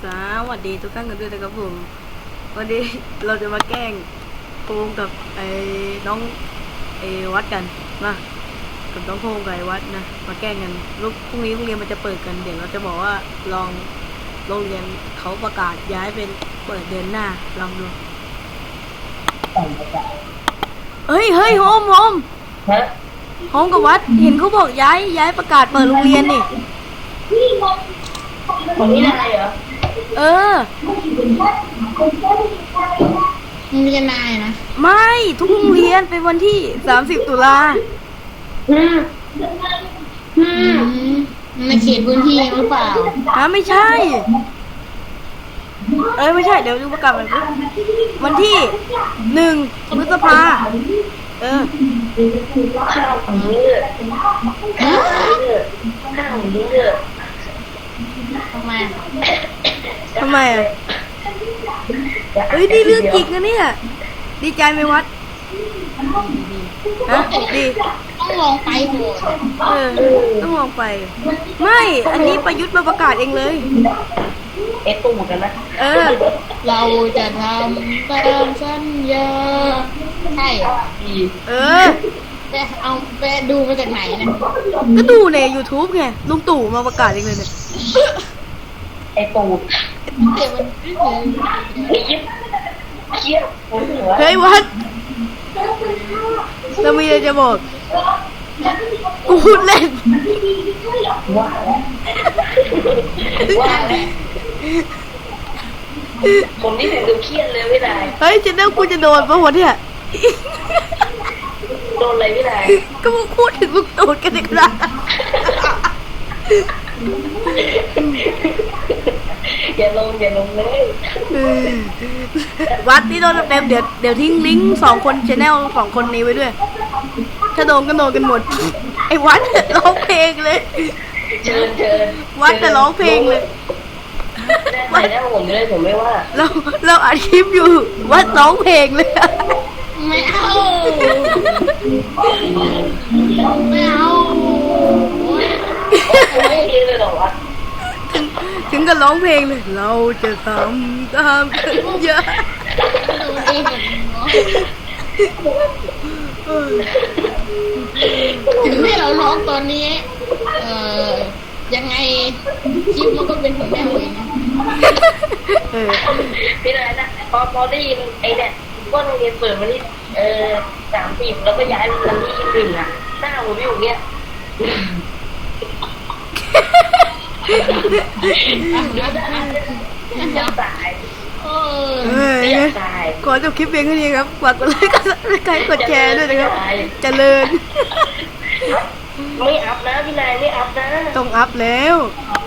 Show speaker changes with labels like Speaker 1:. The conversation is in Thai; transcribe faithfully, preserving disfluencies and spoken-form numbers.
Speaker 1: วัสดีทุกท่านกันด้วยนะครับผมวันนี้เราจะมาแกล้งโพงกับไอ้น้องไอ้วัดกันนะกับน้องโพงกับไอ้วัดนะมาแกล้งกันลูกพรุ่งนี้โรงเรียนมันจะเปิดกันเดี๋ยวเราจะบอกว่าลองโรงเรียนเขาประกาศย้ายเป็นเปิดเดือนหน้าลองดูเฮ้ยเฮ้ยโฮมโฮมโฮมกับวัดเห็นเขาบอกย้ายย้ายประกาศเปิดโรงเรียนนี่
Speaker 2: คนนี้อะไรเหรอ
Speaker 1: เออ
Speaker 2: มึงจะนายนะ
Speaker 1: ไม่ทุกโรงเรียนเป็นวันที่สามสิบตุลา
Speaker 2: อืมอืมในเขตพื้นที่หรือเปล่า
Speaker 1: ฮะไม่ใช่เอ้ยไม่ใช่เดี๋ยวดูประกาศมันวันที่หนึ่งพฤษภาเออ
Speaker 2: ข้าวของมือข้าวของมือข้าวของมือทำไม
Speaker 1: ทำไมอ่ะเฮ้ยนี่เรื่องจริงนะเนี่ยดีใจไหมวัดฮะดี
Speaker 2: ต้องลองไปโหด
Speaker 1: เออต้องลองไปไม่อันนี้ประยุทธ์มาประกาศเองเลย
Speaker 2: เอ๊ะตุ้มกันนะ
Speaker 1: เออ
Speaker 2: เราจะทำตามสัญญาใช่
Speaker 1: เออ
Speaker 2: ไปเอาไปดูมาจากไหนเนี่ย
Speaker 1: ก็ดูใน YouTube ไงลุงตู่มาประกาศเองเลยเนี่ย
Speaker 2: ไอ้ตูดเดี๋ยวมันไอ้ยิบเชี่ย
Speaker 1: เฮ้ยวัดเรามีอะไรจะบอกกูพูดเล่น
Speaker 2: ว่าว่าผมนี่ถึงดูเครียดเลยไม่ได้
Speaker 1: เฮ้ยจะเล่ากูจะโดนปะวะเนี่ย
Speaker 2: โดนอะไรไม่ได้
Speaker 1: ก็มึงพูดถึงลุงตู่กันอีกแล้ว
Speaker 2: อย่าลงอย่าลงเลย
Speaker 1: วัดนี่โดนเต็มเดี๋ยวเดี๋ยวทิ้งลิงก์สองคนชแนลสองคนนี้ไว้ด้วยถ้าโดนก็โดนกันหมดไอ้วัดร้องเพลงเลย
Speaker 2: เชิญเชิญ
Speaker 1: วัดแต่ร้องเพลงเลย
Speaker 2: วัดได้ผมเลยผมไม่ว่า
Speaker 1: เราเราอัดคลิปอยู่วัดร้องเพลงเลย
Speaker 2: ไม่เอาไม่เอาไม่เยเลยหรอวะ
Speaker 1: ถึงกับร้องเพลงเลยเราจะทำตามสัญญา
Speaker 2: ถึงให้เราร้องตอนนี้เอ่อยังไงคลิปมันก็เป็นของแม่เองพี่นายนะพอพอได้ยินไอ้เนี่ยว่าโรงเรียนเปิดวันที่เอ่อสามสิบแล้วก็ย้ายวันที่ยี่สิบหนึ่งอ่ะหน้าผมอยู่เนี้ยจะตายเออตาย
Speaker 1: ขอจบคลิปเพียงแค่นี้ครับฝากกดไลค์กดซับสไครบ์กดแชร์ด้วยนะครับเจริญ
Speaker 2: ไม่อัพนะพี่นายไม่อัพนะ
Speaker 1: ต้องอัพแล้ว